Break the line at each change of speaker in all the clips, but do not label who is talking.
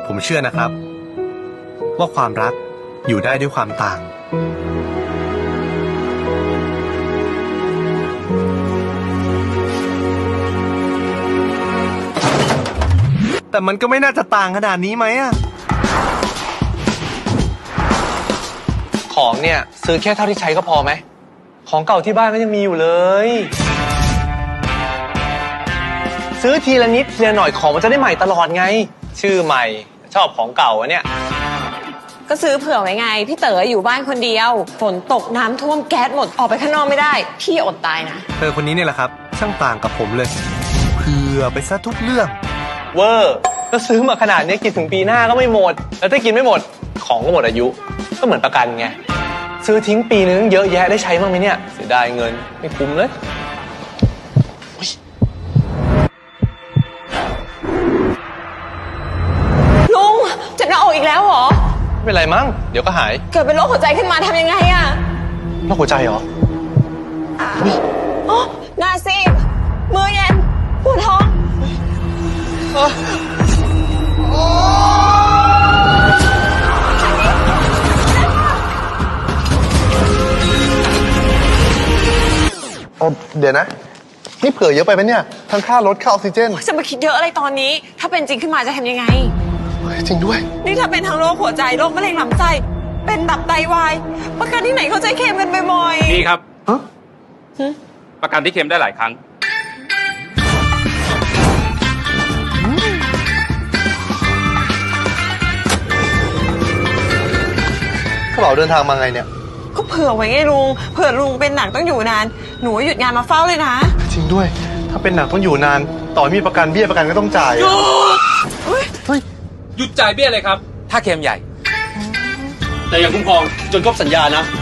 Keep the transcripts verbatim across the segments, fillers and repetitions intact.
ผมเชื่อนะครับว่าความรักอยู่ได้ด้วยความต่างแต่มันก็ไม่น่าจะต่างขนาดนี้ไหมอะของเนี่ยซื้อแค่เท่าที่ใช้ก็พอไหมของเก่าที่บ้านก็ยังมีอยู่เลยซื้อทีละนิดทีละหน่อยของมันจะได้ใหม่ตลอดไงชื่อใหม่ชอบของเก่าอะเนี่ย
ก็ซื้อเผื่อไว้ไงพี่เต๋ออยู่บ้านคนเดียวฝนตกน้ำท่วมแก๊สหมดออกไปข้างนอกไม่ได้พี่อดตายนะ
เธอคนนี้เนี่ยแหละครับช่างต่างกับผมเลยเผื่อไปซะทุกเรื่องเวอร์ก็ซื้อมาขนาดนี้กินถึงปีหน้าก็ไม่หมดแล้วถ้ากินไม่หมดของก็หมดอายุก็เหมือนประกันไงซื้อทิ้งปีนึงเยอะแยะได้ใช้บ้างไหมเนี่ยเสียดายเงินไม่คุ้มเลย
ลุงเจ็บหน้าอกอีกแล้วเหรอ
ไม่เป็นไรมั้งเดี๋ยวก็หาย
เกิดเป็นโรคหัวใจขึ้นมาทำยังไงอะ
โรคหัวใจเหรอ
อ๋อหน้าซีดมือเย็นปวดท้อง
เดี๋ยวนะนี่เผื่อเยอะไปไหมเนี่ยทั้งค่ารถค่าออกซิเจน
จะมาคิดเยอะอะไรตอนนี้ถ้าเป็นจริงขึ้นมาจะทำยังไง
จริงด้วย
นี่ถ้าเป็นทั้งโรคหัวใจโรคมะเร็งลำไส้เป็นตับไตวายประกันที่ไหนเขาใจเคลมกันบ่อย
ๆนี่ครับประกันที่เคลมได้หลายครั้ง
กระเป๋าเดินทางมาไงเนี่ย
ก็เผื่อไว้ไงลุงเผื่อลุงเป็นหนักต้องอยู่นานหนูหยุดงานมาเฝ้าเลยนะ
จริงด้วยถ้าเป็นหนักต้องอยู่นานต่อมีประกันเบี้ยประกันก็ต้องจ่าย
หยุดเฮ้ยหยุดจ่ายเบี้ยเลยครับถ้าเคลมใหญ่แต่อย่าคุ้มครองจนครบสัญญานะ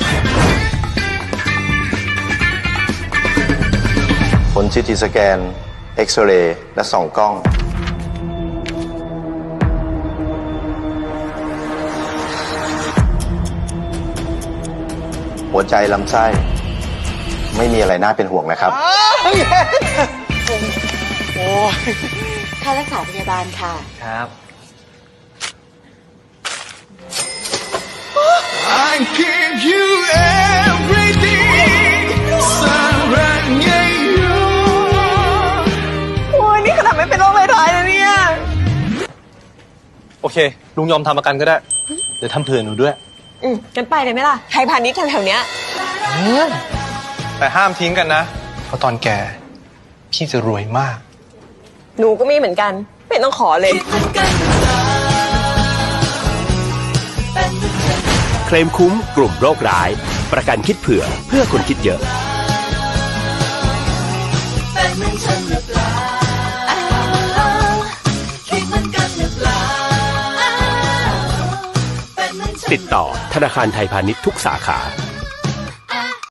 ผลซีทีสแกนเอ็กซเรย์และส่องกล้องหัวใจลำไส้ไม่มีอะไรน่าเป็นห่วงนะครับ
ค่ารักษาพยาบาลค่ะ
ครับ
I give you everything สักรักไงอยู่
โอ้ยนี่ขนาดไม่เป็นโรคร้ายๆนะเนี่ย
โอเคลุงยอมทำประกันก็ได้เดี๋ยวทำเผื่อหนูด้วย
อืมกันไปเลยไหมล่ะไทยพาณิชย์แถวๆเนี้ย
แต่ห้ามทิ้งกันนะเพราะตอนแก่พี่จะรวยมาก
หนูก็มีเหมือนกันไม่ต้องขอเลย
เคลมคุ้มกลุ่มโรคร้ายประกันคิดเผื่อเพื่อคนคิดเยอะติดต่อธนาคารไทยพาณิชย์ทุกสาขา